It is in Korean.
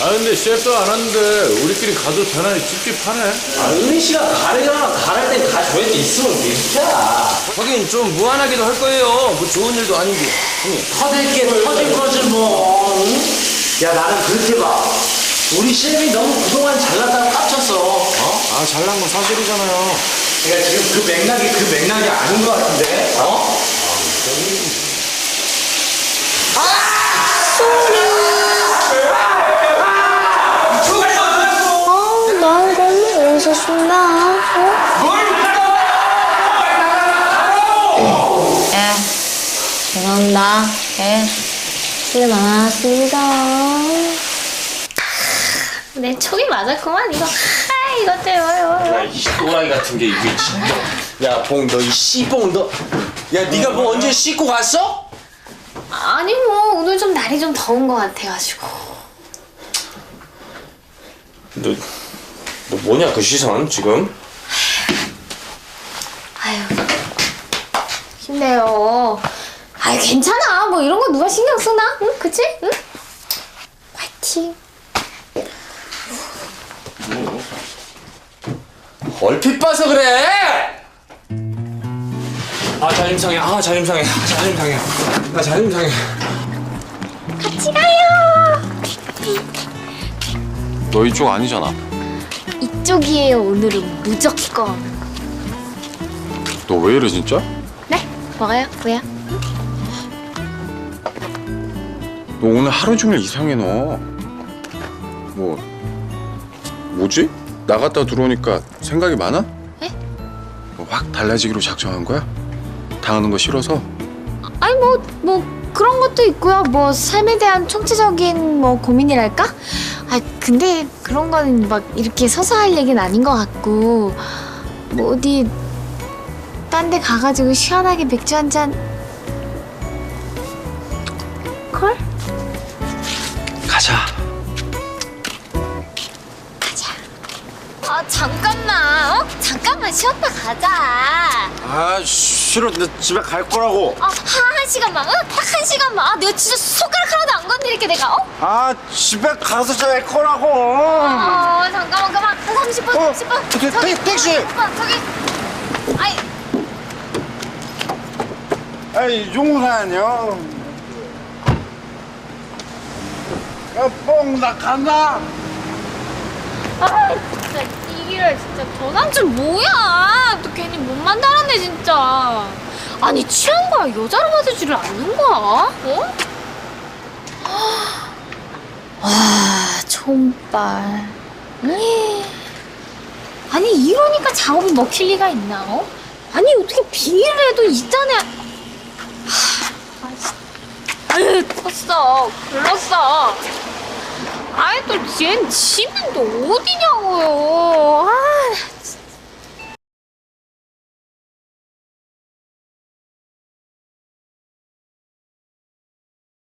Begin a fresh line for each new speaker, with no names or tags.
아 근데 셰프 안 왔는데 우리끼리 가도 되나 찝찝하네.
아, 은희 씨가 가래잖아. 가랄 땐 가줘야지. 있으면 괜찮아.
하긴 좀 무한하기도 할 거예요. 뭐 좋은 일도 아니고.
터질 게 터질 거지 뭐. 응? 야, 나는 그렇게 봐. 우리 셰프이 너무 그동안 잘났다고 깝쳤어. 어?
아 잘난 건 사실이잖아요.
그러니까 지금 그 맥락이 아닌 것 같은데. 어?
난 걸로 여기서 숨나. 예, 죄송합니다. 예, 수고 많았습니다.
내 촉이 맞았구만 이거. 이것 때문에.
야, 이 또라이 같은 게 이게 진짜. 야, 봉, 너 이 씨봉 너. 야, 네가 뭐 언제 씻고 갔어?
아니 뭐 오늘 좀 날이 좀 더운 것 같아가지고.
너 뭐냐 그 시선 지금?
아유 힘내요. 아유 괜찮아. 뭐 이런 거 누가 신경 쓰나? 응, 그치? 응? 화이팅.
얼핏 봐서 그래. 아 자림상해. 아 자림상해. 아 자림상해. 아 자림상해.
같이 가요.
너 이쪽 아니잖아.
이쪽이에요. 오늘은 무조건.
너 왜 이래 진짜?
네? 뭐가요? 왜요?
너 오늘 하루 종일 이상해 너. 뭐지? 나갔다 들어오니까 생각이 많아?
에?
뭐 확 달라지기로 작정한 거야? 당하는 거 싫어서?
아니 뭐 그런 것도 있고요. 뭐 삶에 대한 총체적인 뭐 고민이랄까? 아 근데 그런 거는 막 이렇게 서서 할 얘기는 아닌 것 같고 뭐 어디 딴 데 가가지고 시원하게 맥주 한 잔 콜?
가자.
가자. 아 잠깐만. 잠깐만 쉬었다 가자.
아 싫어. 나 집에 갈 거라고.
한 시간만. 응? 딱 한 시간만. 아 내가 진짜 손가락 하나도 안 건드릴게 내가.
아 집에 가서 잘 거라고.
잠깐만 그만. 한 30분 30분.
택시.
저기. 아이.
아이 용산이요. 야뽕 나 간다.
진짜 이기를 진짜 저 남친 뭐야? 또 괜히 몸만 달았네 진짜. 아니 취한 거야 여자로 받아주지를 않는 거야? 어? 와 촌발. 아니 이러니까 작업이 먹힐 리가 있나? 어? 아니 어떻게 빙의를 해도 있잖아. 아유 컸어 글렀어. 아이 또 얜 집은 또 어디냐고요.